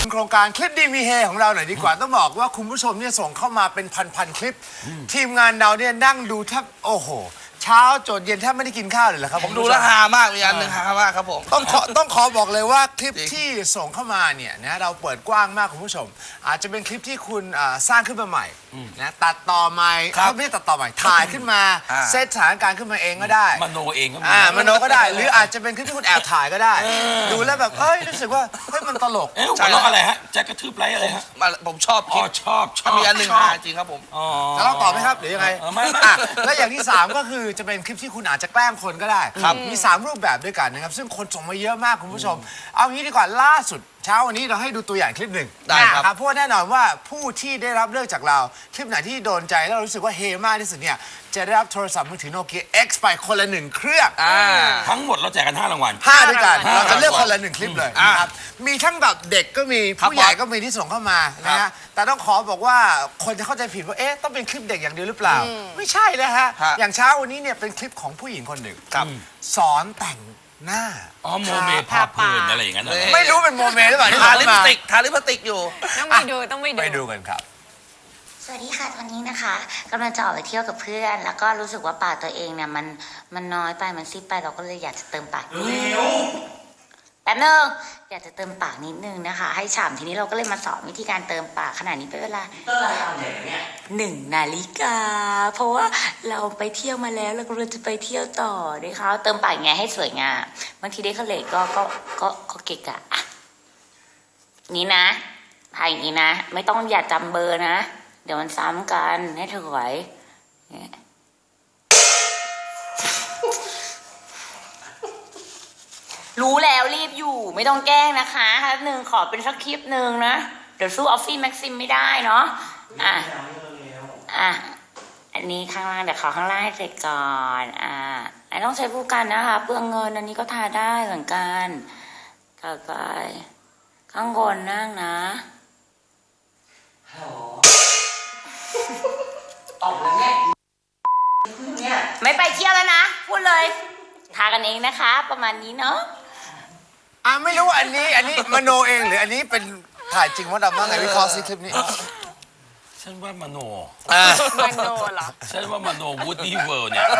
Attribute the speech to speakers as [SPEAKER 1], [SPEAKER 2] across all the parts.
[SPEAKER 1] โครงการคลิปดีมีเฮของเราหน่อยดีกว่าต้องบอกว่าคุณผู้ชมเนี่ยส่งเข้ามาเป็นพันคลิปทีมงานเราเนี่ยนั่งดูแทบโอ้โหเช้าจนเย็นแทบไม่ได้กินข้าวเลยเหรอครับ
[SPEAKER 2] ผมดูแล้วฮามากมีอันหนึ่งฮามากครับผม
[SPEAKER 1] ต้องขอบอกเลยว่าคลิปที่ส่งเข้ามาเนี่ยนะเราเปิดกว้างมากคุณผู้ชมอาจจะเป็นคลิปที่คุณสร้างขึ้นมาใหม่นะตัดต่อใหม่ไม่ได้ตัดต่อใหม่ถ่ายขึ้นมาเซตสถานการณ์ขึ้นมาเองก็ได้
[SPEAKER 3] มโนเองก็
[SPEAKER 1] มโนก็ได้หรืออาจจะเป็นคลิปที่คุณแอบถ่ายก็ได้ดูแล้วแบบเอ้ยรู้สึกว่าเฮ้ยมันตลก
[SPEAKER 3] หัวเราะอะไรฮะแจ็คกระทืบไรอะไรฮะ
[SPEAKER 2] ผมชอบ
[SPEAKER 3] ชอบ
[SPEAKER 2] มีอันหนึ่งฮาจริงครับผม
[SPEAKER 1] จะเล่าต่อไหมครับหรือยังไง
[SPEAKER 3] ไม่
[SPEAKER 1] แล้วอย่างที่3ก็คือจะเป็นคลิปที่คุณอาจจะแกล้งคนก็ได้มี3รูปแบบด้วยกันนะครับซึ่งคนส่งมาเยอะมากคุณผู้ชมเอางี้ดีกว่าล่าสุดเช้าวันนี้เราให้ดูตัวอย่างคลิปหนึ่งครับเพราะว่าแน่นอนว่าผู้ที่ได้รับเลือกจากเราคลิปไหนที่โดนใจแล้วเรารู้สึกว่าเฮมากที่สุดเนี่ยจะได้รับโทรศัพท์มือถือโนเกีย X ไปคนละ1เครื่อง
[SPEAKER 3] ทั้งหมดเราแจกกัน5รางวัล
[SPEAKER 1] 5ด้วยกันเราจะเลือกคนละ1คลิปเลยนะครับมีทั้งแบบเด็กก็มีผู้ใหญ่ก็มีที่ส่งเข้ามานะฮะแต่ต้องขอบอกว่าคนจะเข้าใจผิดว่าเอ๊ะต้องเป็นคลิปเด็กอย่างเดียวหรือเปล่าไม่ใช่นะฮะอย่างเช้าวันนี้เนี่ยเป็นคลิปของผู้หญิงคนหนึ่งสอนแต่งหน้า
[SPEAKER 3] โมเมพาเพลินอะไรอย่างนั้น
[SPEAKER 1] ไม่รู้เป็นโมเมหรือเปล่าที่
[SPEAKER 2] ทาลิปสติกอยู่
[SPEAKER 4] ต้องไปดู
[SPEAKER 1] กันครับ
[SPEAKER 5] สวัสดีค่ะตอนนี้นะคะกำลังจะออกไปเที่ยวกับเพื่อนแล้วก็รู้สึกว่าปากตัวเองเนี่ยมันน้อยไปมันซีดไปเราก็เลยอยากจะเติมปากแป๊บนึงอยากจะเติมปากนิดนึงนะคะให้ฉ่ำทีนี้เราก็เลยมาสอนวิธีการเติมปากขนาดนี้เป็นเวลา1 นาฬิกาเพราะว่าเราไปเที่ยวมาแล้วเราก็จะไปเที่ยวต่อนะคะเติมปากไงให้สวยงามบางทีได้เขาเลยก็เกะกะนี่นะพายอย่างนี้นะไม่ต้องอย่าจำเบอร์นะเดี๋ยวมันซ้ำกันให้เธอไหวรู้แล้วรีบอยู่ไม่ต้องแกล้งนะคะครับหนึ่งขอเป็นสักคลิปหนึ่งนะเดี๋ยวสู้ออฟฟี่แม็กซิมไม่ได้เนาะอันนี้ข้างล่างเดี๋ยวขอข้างล่างให้เสร็จก่อนไอ้ต้องใช้ผู้กันนะคะเปลืองเงินอันนี้ก็ทาได้เหมือนกันต่อไปข้างบนนั่งนะออกเลยเนี่ยไม่ไปเที่ยวแล้วนะพูดเลยทากันเองนะคะประมาณนี้เนาะ
[SPEAKER 1] ไม่รู้อันนี้มโนเองหรืออันนี้เป็นถ่ายจริงว่าดำว่าไงวิเคราะห์ซิคลิปนี้
[SPEAKER 3] ฉันว่ามโน
[SPEAKER 4] เหรอ
[SPEAKER 3] ฉันว่ามโนวูดดี้เวิลด์เนี่ย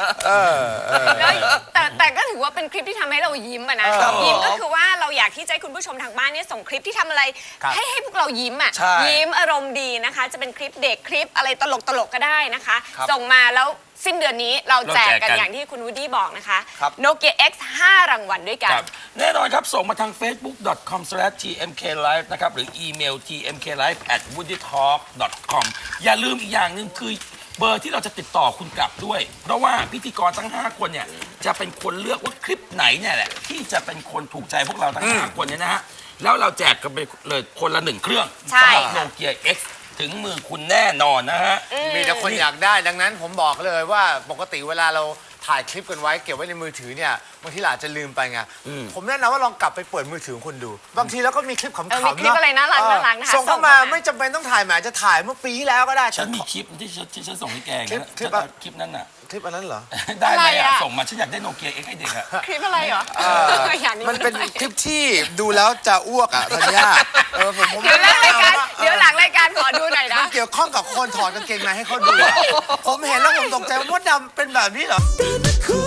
[SPEAKER 4] แต่ก็ถือว่าเป็นคลิปที่ทำให้เรายิ้มอะนะยิ้มก็คือว่าเราอยากที่จะให้คุณผู้ชมทางบ้านเนี่ยส่งคลิปที่ทำอะไรให้พวกเรายิ้มอะยิ้มอารมณ์ดีนะคะจะเป็นคลิปเด็กคลิปอะไรตลกก็ได้นะคะส่งมาแล้วสิ้นเดือนนี้เราแจกกันอย่างที่คุณวูดดี้บอกนะคะโนเกีย X 5 รางวัลด้วยกัน
[SPEAKER 3] แน่นอนครับส่งมาทาง facebook.com/tmklive นะครับหรืออีเมล tmklive@woodytalk.com อย่าลืมอีกอย่างหนึ่งคือเบอร์ที่เราจะติดต่อคุณกลับด้วยเพราะว่าพิธีกรทั้ง5คนเนี่ยจะเป็นคนเลือกว่าคลิปไหนเนี่ยแหละที่จะเป็นคนถูกใจพวกเราทั้ง5คนเนี่ยนะฮะแล้วเราแจกกันไปเลยคนละ1เครื่องสำหรับโนเกีย Xถึงมือคุณแน่นอนนะฮะ
[SPEAKER 1] มีแต่คนอยากได้ดังนั้นผมบอกเลยว่าปกติเวลาเราถ่ายคลิปกันไว้เก็บไว้ในมือถือเนี่ยบางทีเราอาจจะลืมไปไงผมแนะนำว่าลองกลับไปเปิดมือถือของคุณดูบางทีแล้วก็มีคลิปขำๆเนาะ
[SPEAKER 4] คลิปอะไรน่ารักนะคะ
[SPEAKER 1] ส่งเข้ามาไม่จำเป็นต้องถ่ายแหมจะถ่ายเมื่อปีที่แล้วก็ได้
[SPEAKER 3] ฉันมีคลิปที่ฉันส่งให้แกคลิปนั้นน่ะ
[SPEAKER 1] คลิปอันนั้นเหรอ
[SPEAKER 3] ได้ไหมส่งมาฉันอยากได้โนเกีย X ให้เด็กอะ
[SPEAKER 4] คลิปอะไรเหรอ
[SPEAKER 1] มันเป็นคลิปที่ดูแล้วจะอ้วกธัญญา
[SPEAKER 4] เดี๋ยวหลังรายการขอดูหน่อยนะ
[SPEAKER 1] มันเกี่ยวข้องกับคนถอดกางเกงในให้เขาดูผมเห็นแล้วผมตกใจว่ามดดำเป็นแบบนี้เหรอ